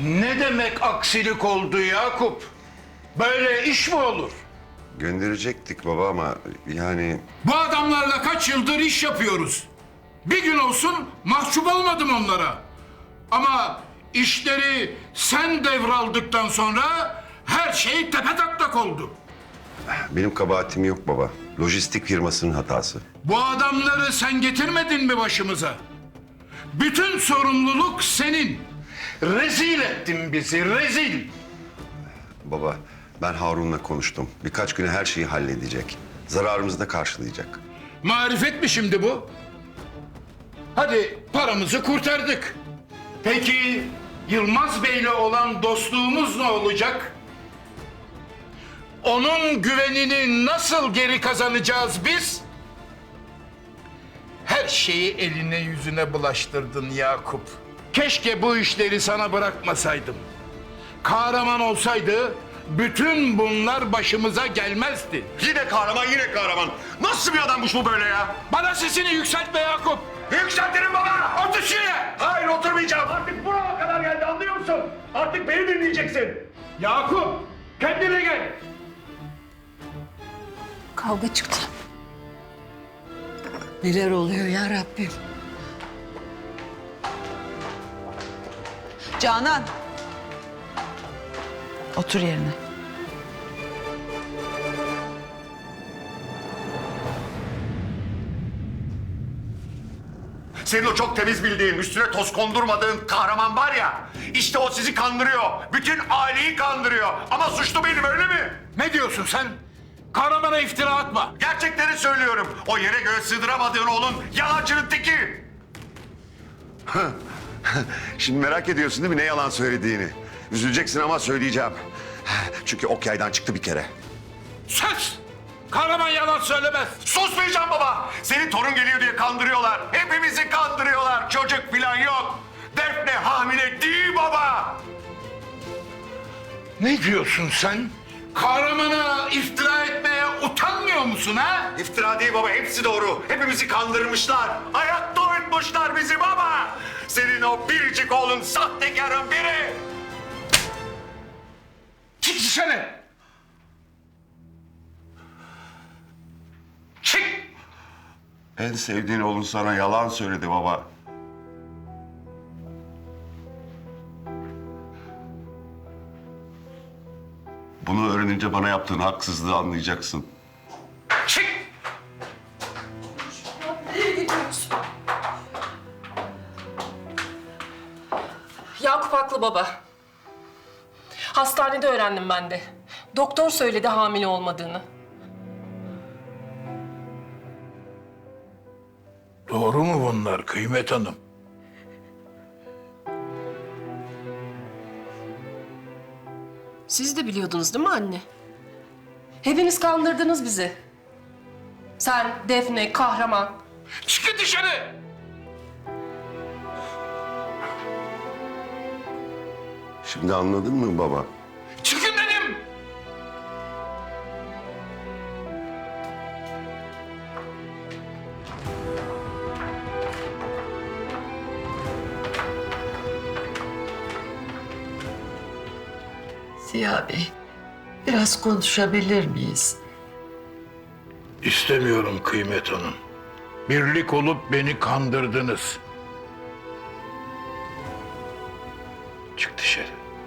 Ne demek aksilik oldu Yakup? Böyle iş mi olur? Gönderecektik baba ama yani... Bu adamlarla kaç yıldır iş yapıyoruz. Bir gün olsun mahcup olmadım onlara. Ama işleri sen devraldıktan sonra her şey tepetaklak oldu. Benim kabahatim yok baba. Lojistik firmasının hatası. Bu adamları sen getirmedin mi başımıza? Bütün sorumluluk senin. Rezil ettin bizi, rezil. Baba, ben Harun'la konuştum. Birkaç güne her şeyi halledecek. Zararımızı da karşılayacak. Marifet mi şimdi bu? Hadi paramızı kurtardık. Peki Yılmaz Bey'le olan dostluğumuz ne olacak? Onun güvenini nasıl geri kazanacağız biz? Her şeyi eline yüzüne bulaştırdın Yakup. Keşke bu işleri sana bırakmasaydım. Kahraman olsaydı bütün bunlar başımıza gelmezdi. Yine kahraman, yine kahraman. Nasıl bir adammış bu böyle ya? Bana sesini yükseltme Yakup. Yükseltirim baba! Otur şuraya. Hayır, oturmayacağım. Artık buraya kadar geldi, anlıyor musun? Artık beni dinleyeceksin. Yakup, kendine gel. Kavga çıktı. Neler oluyor ya Rabbim? Canan. Otur yerine. Senin o çok temiz bildiğin, üstüne toz kondurmadığın kahraman var ya... ...işte o sizi kandırıyor. Bütün aileyi kandırıyor. Ama suçlu benim, öyle mi? Ne diyorsun sen? Kahramana iftira atma. Gerçekleri söylüyorum. O yere göğe sığdıramadığın oğlun yalancının teki. Şimdi merak ediyorsun değil mi ne yalan söylediğini? Üzüleceksin ama söyleyeceğim. Çünkü ok yaydan çıktı bir kere. Sus! Kahraman yalan söylemez. Susmayacağım baba. Senin torun geliyor diye kandırıyorlar. Hepimizi kandırıyorlar. Çocuk falan yok. Defne hamile değil baba. Ne diyorsun sen? Kahramana iftira etmeye utanmıyor musun ha? İftira değil baba, hepsi doğru. Hepimizi kandırmışlar. Hayatta uyutmuşlar bizi baba. Senin o biricik oğlun sahtekarın biri. Çık dışarı! Çık! En sevdiğin oğlun sana yalan söyledi baba. Bunu öğrenince bana yaptığın haksızlığı anlayacaksın. Çık! Yakup haklı baba. Hastanede öğrendim ben de. Doktor söyledi hamile olmadığını. Doğru mu bunlar Kıymet Hanım? Siz de biliyordunuz değil mi anne? Hepiniz kandırdınız bizi. Sen, Defne, kahraman. Çıkın dışarı! Şimdi anladın mı baba? Çıkın dedim! Ziya Bey, biraz konuşabilir miyiz? İstemiyorum Kıymet Hanım. Birlik olup beni kandırdınız. Çık dışarı.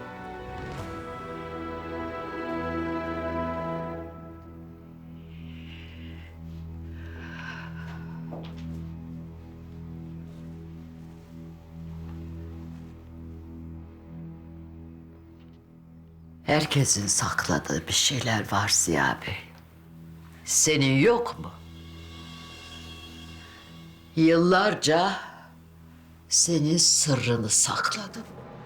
Herkesin sakladığı bir şeyler var Ziya Bey. Senin yok mu? Yıllarca senin sırrını sakladım.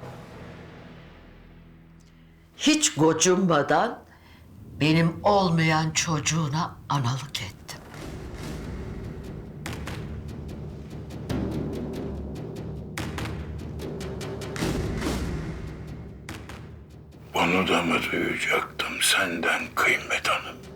Hiç gocunmadan benim olmayan çocuğuna analık ettim. Bunu da mı duyacaktım senden Kıymet Hanım?